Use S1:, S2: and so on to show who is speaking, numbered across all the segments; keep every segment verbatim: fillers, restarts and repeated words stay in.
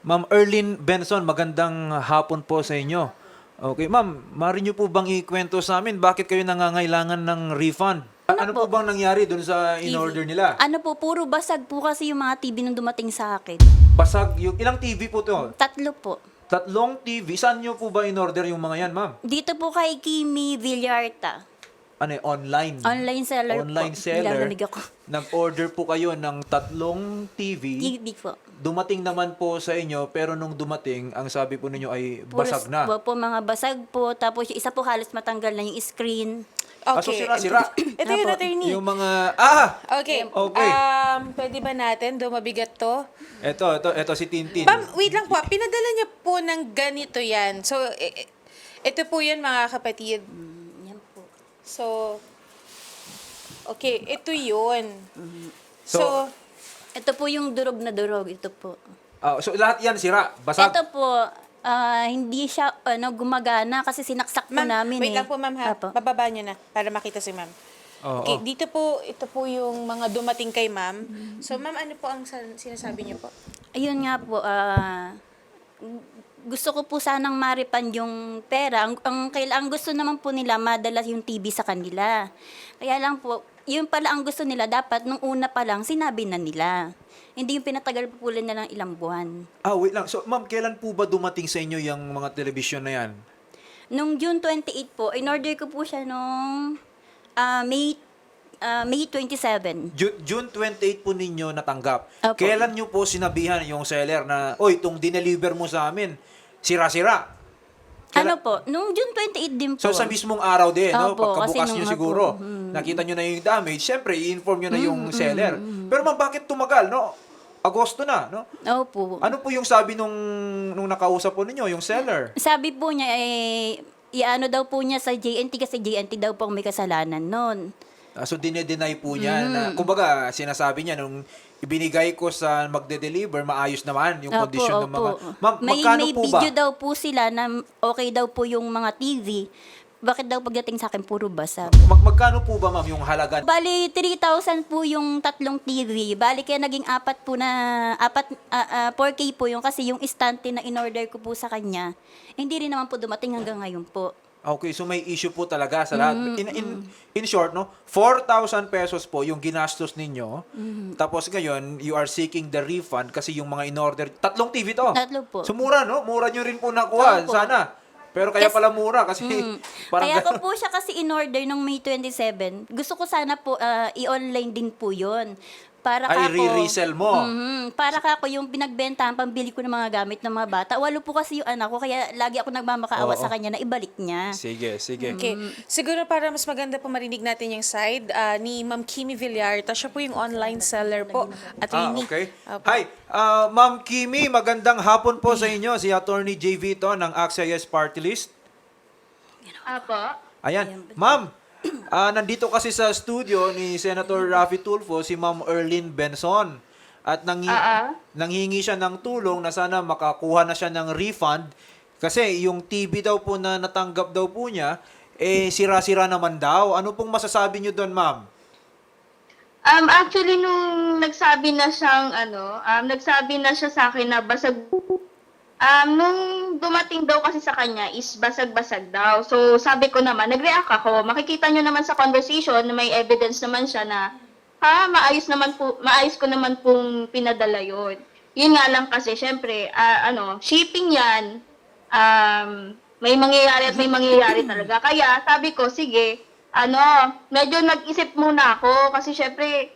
S1: Ma'am Erlyn Benson, magandang hapon po sa inyo. Okay, ma'am, maaari niyo po bang ikwento sa amin bakit kayo nangangailangan ng refund? Ano, po?
S2: po?
S1: bang nangyari doon sa in-order nila?
S2: Ano po, puro basag po kasi yung mga T V nung dumating sa akin.
S1: Basag yung ilang T V po to?
S2: Tatlo po.
S1: Tatlong T V. Saan niyo po ba in-order yung mga yan, ma'am?
S2: Dito po kay Kimi Villarta.
S1: Ano, eh, online?
S2: Online seller
S1: Online
S2: po.
S1: seller.
S2: Nilalamig ako.
S1: Nag-order po kayo ng tatlong T V.
S2: T V po.
S1: Dumating naman po sa inyo, pero nung dumating, ang sabi po ninyo ay
S2: Puro
S1: basag na.
S2: Po, po, mga basag po. Tapos yung isa po halos matanggal na yung screen.
S1: Ah, so sira-sira.
S3: Ito yun,
S2: Apo.
S3: attorney.
S1: Yung mga, ah!
S3: Okay.
S1: Okay.
S3: Um, pwede ba natin, dumabigat to?
S1: Eto, eto, eto si Tintin.
S3: Ma'am, wait lang po. ah. Pinadala niya po ng ganito yan. So, i- i- ito po yan, mga kapatid.
S2: Mm, Yan po.
S3: So, okay. Ito yun.
S1: So,
S3: So,
S2: Ito po yung durog na durog. Ito po.
S1: ah, so lahat yan sira, basag.
S2: Ito po, ah, hindi siya ano gumagana kasi sinaksak po
S3: ma'am,
S2: namin
S3: wait
S2: eh.
S3: lang po, ma'am, ha?
S2: Apo.
S3: Bababa niyo na para makita si ma'am.
S1: Oo,
S3: Okay,
S1: oo.
S3: dito po, ito po yung mga dumating kay ma'am. So, ma'am, ano po ang san- sinasabi niyo po?
S2: Ayun nga po, ah, gusto ko po sanang maripan yung pera. Ang, ang, kaila- ang gusto naman po nila, madala yung T V sa kanila. Kaya lang po, yun pala ang gusto nila, dapat nung una pa lang, sinabi na nila. Hindi yung pinatagal po pula na ng ilang buwan.
S1: Ah, wait lang. So, ma'am, kailan po ba dumating sa inyo yung mga telebisyon na yan?
S2: Nung June twenty-eight po, in-order ko po siya nung ah, May, ah, May twenty-seven.
S1: Ju- June twenty-eight po ninyo natanggap.
S2: Opo.
S1: Kailan nyo po sinabihan yung seller na, oy, itong dineliver mo sa amin, sira-sira?
S2: Ano po? Nung June twenty-eight din po.
S1: So, sa mismong araw din, no?
S2: Opo, kasi
S1: Pagkabukas
S2: nung
S1: nyo
S2: ako,
S1: siguro,
S2: hmm.
S1: nakita nyo na yung damage, syempre, i-inform nyo na yung seller. Pero ma'am, bakit tumagal, no? Agosto na, no?
S2: Opo.
S1: Ano po yung sabi nung, nung nakausap po ninyo, yung seller?
S2: Sabi po niya, eh, iano daw po niya sa J N T kasi J N T daw po ang may kasalanan nun.
S1: Ah, so, dinedenay po niya
S2: Mm.
S1: na, kumbaga, sinasabi niya nung ibinigay ko sa magde-deliver, maayos naman yung
S2: Opo,
S1: kondisyon ng mga...
S2: opo.
S1: Ma'am,
S2: may,
S1: magkano
S2: may
S1: po ba?
S2: video daw po sila na okay daw po yung mga T V. Bakit daw pagdating sa akin puro basag?
S1: Mag magkano po ba, ma'am, yung halaga?
S2: Bali, three thousand po yung tatlong T V. Bali, kaya naging apat po na, apat, ah, ah, four K po yung kasi yung istante na in-order ko po sa kanya, hindi rin naman po dumating hanggang ngayon po.
S1: Okay, so may issue po talaga sa lahat. In, in, in short, no, four thousand pesos po yung ginastos ninyo. Tapos ngayon, you are seeking the refund kasi yung mga in-order, tatlong T V to.
S2: Tatlo po.
S1: So mura, no? Mura nyo rin po nakuha.
S2: Opo.
S1: Sana. Pero kaya
S2: Yes.
S1: pala mura kasi
S2: Mm.
S1: parang
S2: Kaya ko
S1: ganun.
S2: po siya kasi in-order nung May twenty-seven. Gusto ko sana po ah, i-online din po yon. Para
S1: Ay,
S2: kako,
S1: re-resell mo.
S2: Mhm. Para kako yung pinagbentahan, pambili ko ng mga gamit ng mga bata. Walo po kasi yung anak ko, kaya lagi ako nagmamakaawa
S1: Oo.
S2: sa kanya na ibalik niya.
S1: Sige, sige.
S3: Okay. Siguro para mas maganda po marinig natin yung side ah, ni Ma'am Kimi Villarta. Siya po yung online seller po.
S1: Ah,
S3: Attorney.
S1: okay.
S3: Opo.
S1: Hi, ah, Ma'am Kimi, magandang hapon po sa inyo. Si Attorney J V to ng A X A Yes Party List.
S4: Apo.
S1: Ayan. Ma'am, ah, nandito kasi sa studio ni Senator Raffy Tulfo si Ma'am Erlyn Benson. At nanghi-
S4: Ah, ah.
S1: nanghingi siya ng tulong na sana makakuha na siya ng refund kasi yung T V daw po na natanggap daw po niya, eh sira-sira naman daw. Ano pong masasabi niyo doon, ma'am?
S4: Um, actually, nung nagsabi na siyang, ano, um, nagsabi na siya sa akin na basag, um, nung dumating daw kasi sa kanya is basag-basag daw. So, sabi ko naman, nag-react ako. Makikita nyo naman sa conversation na may evidence naman siya na, ha, maayos naman po, maayos ko naman pong pinadala yon. Yun nga lang kasi, syempre, ah, ano, shipping yan, um, may mangyayari at may mangyayari talaga. Kaya, sabi ko, sige, ano, medyo nag-isip muna ako kasi syempre,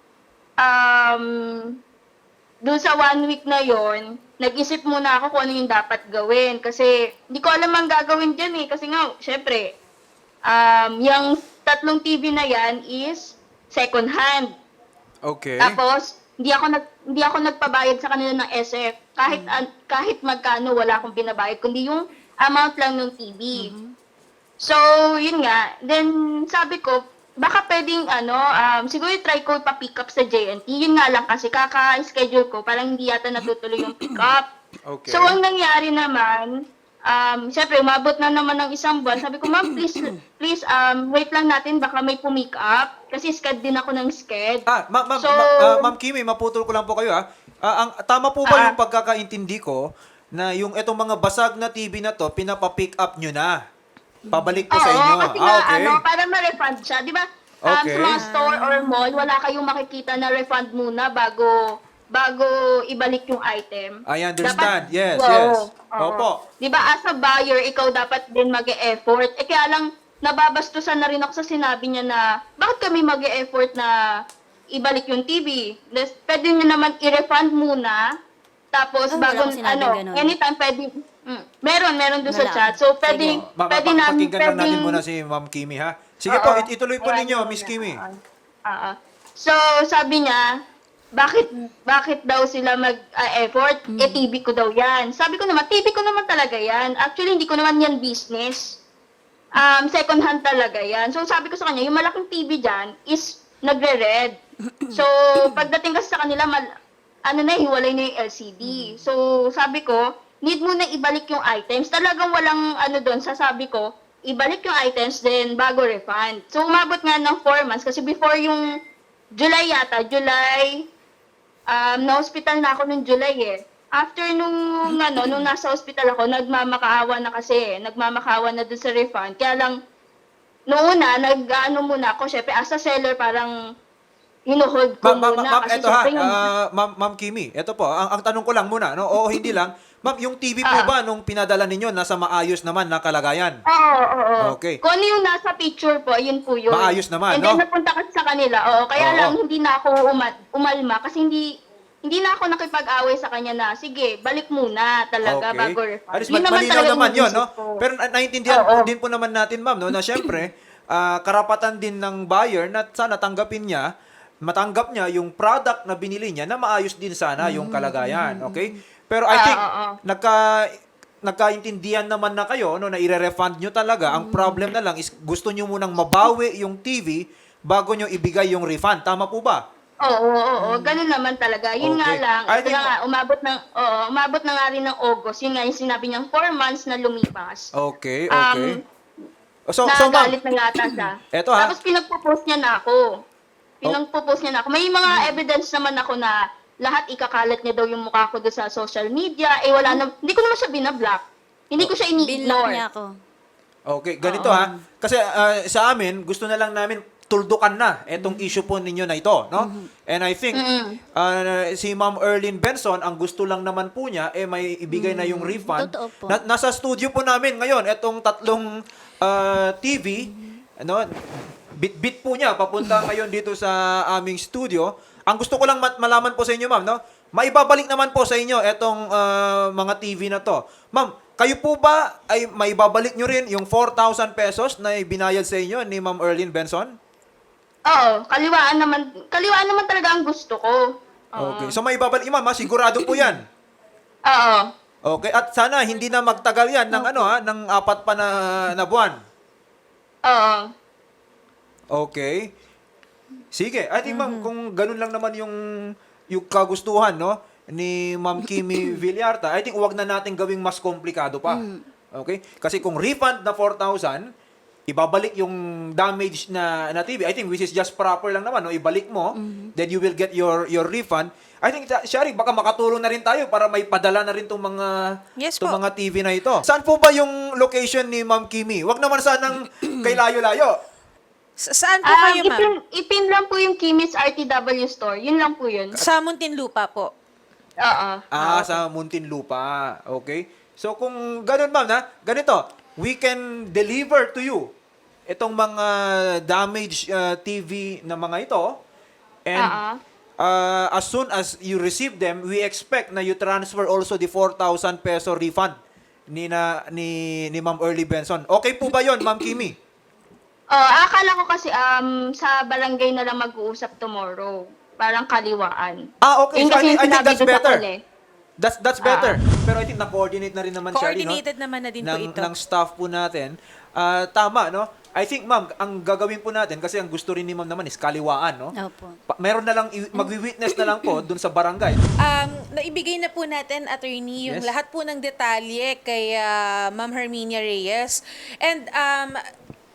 S4: um, doon sa one week na yon, nag-isip muna ako kung ano yung dapat gawin. Kasi, hindi ko alam ang gagawin dyan eh. Kasi nga, syempre, um, yung tatlong T V na yan is second hand.
S1: Okay.
S4: Tapos, hindi ako nag hindi ako nagpabayad sa kanila ng S F. Kahit an- kahit magkano wala akong binabayad kundi yung amount lang ng T V. So, yun nga. Then sabi ko, baka pwedeng ano, um, siguro try ko pa-pick up sa J N T. Yun nga lang kasi kaka-schedule ko, parang hindi yata natutuloy yung pick up.
S1: Okay.
S4: So, ang nangyari naman, um, syempre, umabot na naman ng isang buwan. Sabi ko, ma'am, please, please, um, wait lang natin, baka may pumick up. Kasi sked din ako ng sked.
S1: Ah, ma- ma-
S4: So-
S1: ma- ah, Ma'am Kimi, maputol ko lang po kayo ha. Ah, ang tama po ba
S4: Ah.
S1: yung pagkakaintindi ko na yung etong mga basag na T V na to, pinapa-pick up nyo na? Pabalik po
S4: Oo,
S1: sa inyo.
S4: kasi
S1: Ah,
S4: nga,
S1: okay.
S4: ano, para ma-refund siya. Di ba, um,
S1: Okay.
S4: sa mga store or mall, wala kayong makikita na refund muna bago bago ibalik yung item.
S1: I understand. Yes,
S4: Oo,
S1: yes.
S4: oo.
S1: Opo.
S4: Di ba, as a buyer, ikaw dapat din mag-e-effort. Eh, kaya lang, nababastusan na rin ako sa sinabi niya na, bakit kami mag-e-effort na ibalik yung T V? Des- Pwede nyo naman i-refund muna, tapos
S2: Ah, wala
S4: bago,
S2: akong sinabing
S4: ano,
S2: ganun.
S4: anytime pwede, mm, meron, meron doon sa
S2: Wala.
S4: chat. So, pwede,
S2: Sige.
S1: Ma- ma-
S4: pwede
S1: pa-
S4: namin,
S1: pakinggan lang natin
S4: pwedeng-
S1: muna si Ma'am Kimi, ha? Sige
S4: Oo.
S1: po, it- ituloy po
S4: Ayan,
S1: ninyo,
S4: yun
S1: Miss
S4: na.
S1: Kimi.
S4: Oo. So, sabi niya, bakit bakit daw sila mag-effort? Eh, T V ko daw yan. Sabi ko naman, T V ko naman talaga yan. Actually, hindi ko naman yan business. Um, second hand talaga yan. So, sabi ko sa kanya, yung malaking T V dyan is nagre-red. So, pagdating kasi sa kanila, mal- ano na, hiwalay na yung L C D. So, sabi ko, need mo na ibalik yung items. Talagang walang ano doon, sasabi ko, ibalik yung items, then bago refund. So, umabot nga ng four months kasi before yung July yata, July, um, na-hospital na ako nung July eh. After nung, ano, nung nasa hospital ako, nagmamakaawa na kasi eh. Nagmamakaawa na dun sa refund. Kaya lang, noong una, nag-ano muna ako, syempre, as a seller, parang hinuhold ko
S1: Ma'am, ma'am,
S4: muna.
S1: ma'am,
S4: kasi
S1: eto ha,
S4: syempre yung-
S1: ah, ma'am, ma'am Kimi, eto po, ang, ang tanong ko lang muna, no? Oo, hindi lang. Ma'am, yung T V po
S4: Ah.
S1: ba nung pinadala ninyo, nasa maayos naman na kalagayan?
S4: Oo, oo, oo.
S1: Okay.
S4: Kung ano yung nasa picture po, yun po yun.
S1: Maayos naman,
S4: And then,
S1: no?
S4: napunta kasi sa kanila, oo. Kaya
S1: Oo.
S4: lang, hindi na ako uma- umalma kasi hindi hindi na ako nakipag-away sa kanya na, sige, balik muna talaga bago refund.
S1: At least
S4: Yun
S1: ma- malinaw
S4: talaga
S1: naman yun,
S4: iniisip
S1: no?
S4: ko.
S1: Pero na- naiintindihan
S4: Oo.
S1: po din po naman natin, ma'am, no, na syempre, ah, karapatan din ng buyer na sana tanggapin niya, matanggap niya yung product na binili niya na maayos din sana yung kalagayan, okay? Pero I
S4: Ah,
S1: think,
S4: oo, oo.
S1: nagka, nagkaintindihan naman na kayo, no, na i-refund nyo talaga. Ang problem na lang is gusto nyo munang mabawi yung T V bago nyo ibigay yung refund. Tama po ba?
S4: Oo, oo, oo. Ganun naman talaga. Yun nga
S1: Okay.
S4: lang,
S1: I
S4: ito
S1: think-
S4: na nga, umabot ng, oo, umabot na nga rin ng August. Yun nga yung sinabi niyang four months na lumipas.
S1: Okay,
S4: Um,
S1: okay. so, so ma'am,
S4: Nagalit na yata siya.
S1: Eto, ha?
S4: Tapos pinagpo-post niya na ako. Pinagpo-post niya na ako. May mga evidence naman ako na lahat ikakalat niya daw yung mukha ko doon sa social media. Eh wala na, hindi ko naman siya binablock. Hindi ko siya
S2: Binlock
S4: ini-ignore.
S2: niya ako.
S1: okay, ganito ha. Kasi ah, sa amin, gusto na lang namin tuldukan na etong issue po ninyo na ito, no? And I think
S4: Mm-mm.
S1: ah, si Ma'am Erlyn Benson, ang gusto lang naman po niya eh may ibigay na yung refund.
S2: Totoo po.
S1: Na- nasa studio po namin ngayon etong tatlong ah, T V, ano, bit-bit po niya papunta ngayon dito sa aming studio. Ang gusto ko lang mat- malaman po sa inyo, ma'am, no? Maibabalik naman po sa inyo etong ah, mga T V na to. Ma'am, kayo po ba ay maibabalik nyo rin yung four thousand pesos na ibinayad sa inyo ni Ma'am Erlyn Benson?
S4: Oo, kaliwaan naman, kaliwaan naman talaga ang gusto ko. Oo.
S1: Okay. So maibabalik, ma'am, ha? Sigurado po 'yan.
S4: Oo.
S1: Okay, at sana hindi na magtagal 'yan ng ano ha, ng apat pa na, na buwan.
S4: Oo.
S1: Okay. Sige, I think ma'am, kung ganun lang naman yung yung kagustuhan, no, ni Ma'am Kimi Villarta, I think wag na natin gawing mas komplikado pa. Okay? Kasi kung refund na four thousand, ibabalik yung damage na na T V. I think which is just proper lang naman, no? Ibalik mo, then you will get your your refund. I think Shari, baka makatulong na rin tayo para may padala na rin tong mga
S3: Yes
S1: tong
S3: po.
S1: mga T V na ito. Saan po ba yung location ni Ma'am Kimi? Wag naman sanang kay layo-layo.
S3: Sa- saan po
S4: Um,
S3: kayo, ma'am?
S4: ipin, ipin lang po yung Kimis R T W store. Yun lang po yun.
S3: Sa Muntinlupa po.
S4: Oo.
S1: Ah, sa Muntinlupa. Okay. So kung ganun ma'am na, ganito, we can deliver to you itong mga damaged uh, T V na mga ito. And
S4: Oo.
S1: uh, as soon as you receive them, we expect na you transfer also the four thousand peso refund ni na ni ni Ma'am Early Benson. Okay po ba 'yon, Ma'am Kimi?
S4: Oh, akala ko kasi um sa barangay na lang mag-uusap tomorrow. Parang kaliwaan.
S1: Ah, okay.
S4: Yun
S1: So I
S4: kasi
S1: think,
S4: yung
S1: I think
S4: sinabi
S1: that's
S4: doon sa
S1: better.
S4: call eh.
S1: That's that's better. Pero I think na-coordinate na rin naman siya, no?
S3: Coordinated naman na din po
S1: ng,
S3: ito.
S1: ng staff po natin. Ah, tama, no? I think, ma'am, ang gagawin po natin, kasi ang gusto rin ni ma'am naman is kaliwaan, no?
S2: Opo.
S1: Pa- meron na lang, i- magwi-witness na lang po dun sa barangay.
S3: Um, naibigay na po natin, attorney, yung
S1: Yes.
S3: lahat po ng detalye kay ah, Ma'am Herminia Reyes. And um,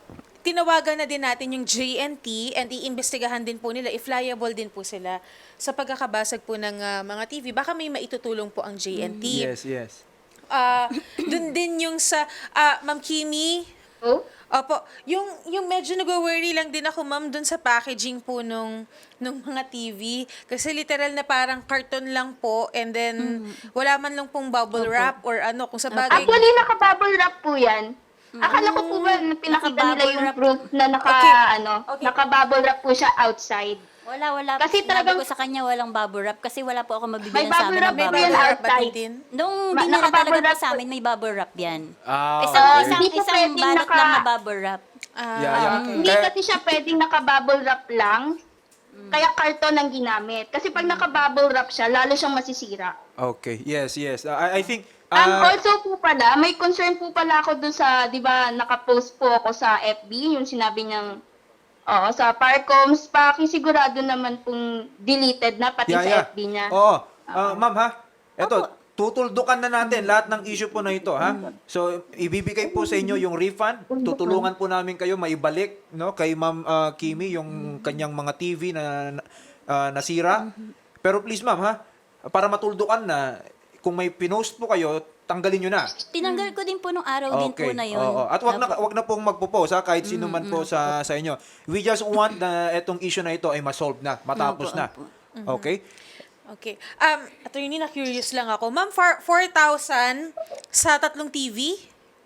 S3: tinawagan na din natin yung J N T and iimbestigahan din po nila if liable din po sila sa pagkakabasag po ng ah, mga T V. Baka may maitutulong po ang J N T.
S1: Yes, yes.
S3: Ah, dun din yung sa ah, Ma'am Kimi.
S4: Oh?
S3: Opo, yung yung medyo nag-worry lang din ako ma'am dun sa packaging po nung nung mga T V kasi literal na parang carton lang po and then wala man lang pong bubble wrap or ano kung sa bagay.
S4: Actually, naka-bubble wrap po yan. Akala ko po ba na pinakita nila
S2: Naka-bubble
S4: yung
S2: wrap.
S4: proof na naka,
S3: Okay.
S4: ano,
S3: Okay.
S4: naka-bubble wrap po siya outside.
S2: Wala, wala.
S4: Kasi
S2: Sinabi
S4: talagang-
S2: ko sa kanya walang bubble wrap kasi wala po ako
S4: May
S2: mabibigyan sa
S4: bubble
S2: amin
S4: wrap,
S2: ng
S3: May
S4: po
S2: bubble
S4: yan
S3: bubble
S2: wrap.
S3: wrap ba
S4: outside.
S3: din?
S2: Nung
S4: Ma-
S2: dinala
S4: naka-bubble
S2: talaga po
S4: wrap
S2: sa
S4: po.
S2: amin, may bubble wrap yan.
S1: Ah,
S2: Isang,
S1: okay.
S2: isang,
S4: Hindi po
S2: isang
S4: pwedeng
S2: balot
S4: naka-
S2: lang na bubble wrap.
S3: Ah,
S1: Yeah, yeah.
S3: okay.
S4: Hindi
S1: Kaya-
S4: kasi siya pwedeng naka-bubble wrap lang. Kaya karton ang ginamit. Kasi pag naka-bubble wrap siya, lalo siyang masisira.
S1: Okay. Yes, yes. Uh, I, I think
S4: Um,
S1: uh,
S4: also po pala, may concern po pala ako dun sa, di ba, nakapost po ako sa F B, yung sinabi niyang, oo, sa Parcoms, pakisigurado naman pong deleted na, pati
S1: yeah,
S4: sa
S1: yeah.
S4: F B niya.
S1: Oo. Ah, ma'am ha. Eto, tutuldukan na natin lahat ng issue po na ito, ha? So, ibibigay po sa inyo yung refund. Tutulungan po namin kayo maibalik, no, kay Ma'am ah, Kimi yung kanyang mga T V na ah, nasira. Pero please, ma'am, ha, para matuldukan na, kung may pinost po kayo, tanggalin nyo na.
S2: Tinanggal ko din po nung araw din po na yun.
S1: Oo. At wag na wag na pong magpo-post ha, kahit sino man po sa sa inyo. We just want na etong issue na ito ay ma-solve na, matapos
S2: Opo,
S1: na.
S2: opo.
S1: Okay?
S3: Okay. Um, attorney, na-curious lang ako. Ma'am, for four thousand sa tatlong T V?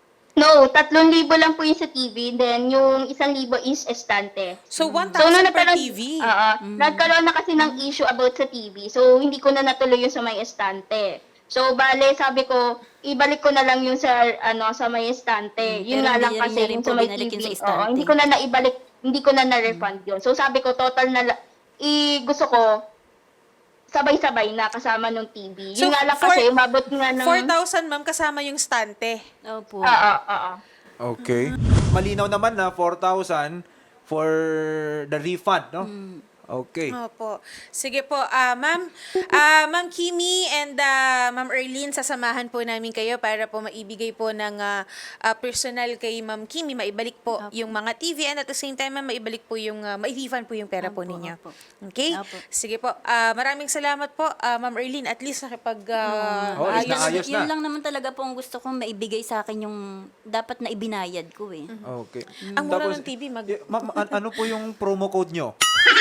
S4: No, tatlong libo lang po yung sa T V, then yung isang libo is estante.
S3: So, one
S4: So, nung
S3: thousand per
S4: nagkaroon,
S3: T V?
S4: Oo. Nagkaroon na kasi ng issue about sa T V. So, hindi ko na natuloy yung sa may estante. So, bale, sabi ko, ibalik ko na lang yung sa, ano, sa may estante.
S2: Mm,
S4: Yun
S2: pero
S4: nga
S2: hindi
S4: lang
S2: rin
S4: kasi
S2: niya rin
S4: yung
S2: po
S4: sa may
S2: binalik
S4: T V.
S2: yun sa
S4: Oo,
S2: estante.
S4: hindi ko na naibalik, hindi ko na na-refund yun. So, sabi ko, total na, la- i, gusto ko, sabay-sabay na kasama ng T V. Yun
S3: So,
S4: nga lang
S3: four-
S4: kasi, umabot nga ng...
S3: four thousand, ma'am, kasama yung stante.
S2: Opo.
S4: Oo, oo.
S1: Okay. Malinaw naman na four thousand for the refund, no? Okay.
S3: Opo. Sige po, ah ma'am, ah Ma'am Kimi and ah, Ma'am Erlene, sasamahan po namin kayo para po maibigay po ng ah, ah, personal kay Ma'am Kimi, maibalik po
S2: Opo.
S3: yung mga T V and at the same time, ma'am, maibalik po yung, ah, mai-refund po yung pera po
S2: Opo,
S3: ninyo.
S2: opo.
S3: Okay?
S2: Opo.
S3: Sige po. Ah, maraming salamat po, ah, Ma'am Erlene. At least nakipag ah,
S1: Oh,
S3: ayos.
S1: ayos na ayos.
S2: Yun lang naman talaga po ang gusto kong maibigay sa akin yung dapat na ibinayad ko eh.
S1: Okay.
S3: Ang mura
S1: Tapos,
S3: ng T V, mag...
S1: eh, ma'am, an- ano po yung promo code nyo?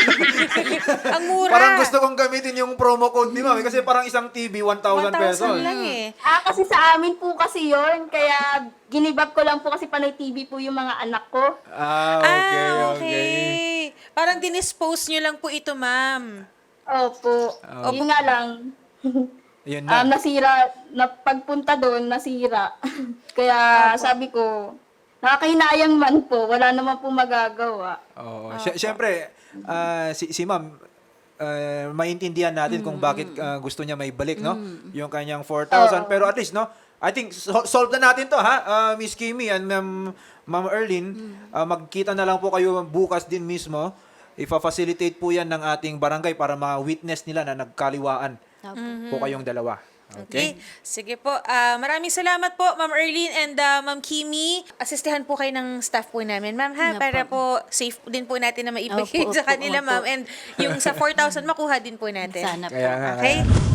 S3: Ang mura!
S1: Parang gusto kong gamitin yung promo code ni ma'am eh, kasi parang isang T V one thousand pesos.
S3: one thousand lang eh.
S4: Ah, kasi sa amin po kasi yon, kaya ginibab ko lang po kasi panay T V po yung mga anak ko.
S1: Ah, okay,
S3: ah,
S1: okay.
S3: okay. Parang dinispose nyo lang po ito, ma'am.
S4: Opo.
S1: Oh.
S4: Yun nga lang.
S1: Yun
S4: Um,
S1: na.
S4: nasira, na pagpunta doon, nasira. Kaya sabi ko, nakakahinayang man po, wala naman po magagawa.
S1: Oo. Sy- Siyempre, ah, si, si ma'am, ah, maintindihan natin kung bakit ah, gusto niya may balik, no? Yung kanyang four thousand. Pero at least, no? I think, so- solve na natin to, ha? Ah, Miss Kimi and Ma'am, Ma'am Erlene, ah, magkita na lang po kayo bukas din mismo. Ifa-facilitate po yan ng ating barangay para ma-witness nila na nagkaliwaan po kayong dalawa.
S3: Okay.
S1: Okay?
S3: Sige po. Ah, maraming salamat po, Ma'am Erlene and ah, Ma'am Kimi. Asistihan po kayo ng staff po namin, ma'am, ha?
S2: Opo.
S3: Para po safe din po natin na maibigay
S2: Opo,
S3: sa
S2: opo,
S3: kanila,
S2: opo.
S3: ma'am. And yung sa four thousand, makuha din po natin.
S2: Sana po.
S1: Kaya nga,
S3: Okay?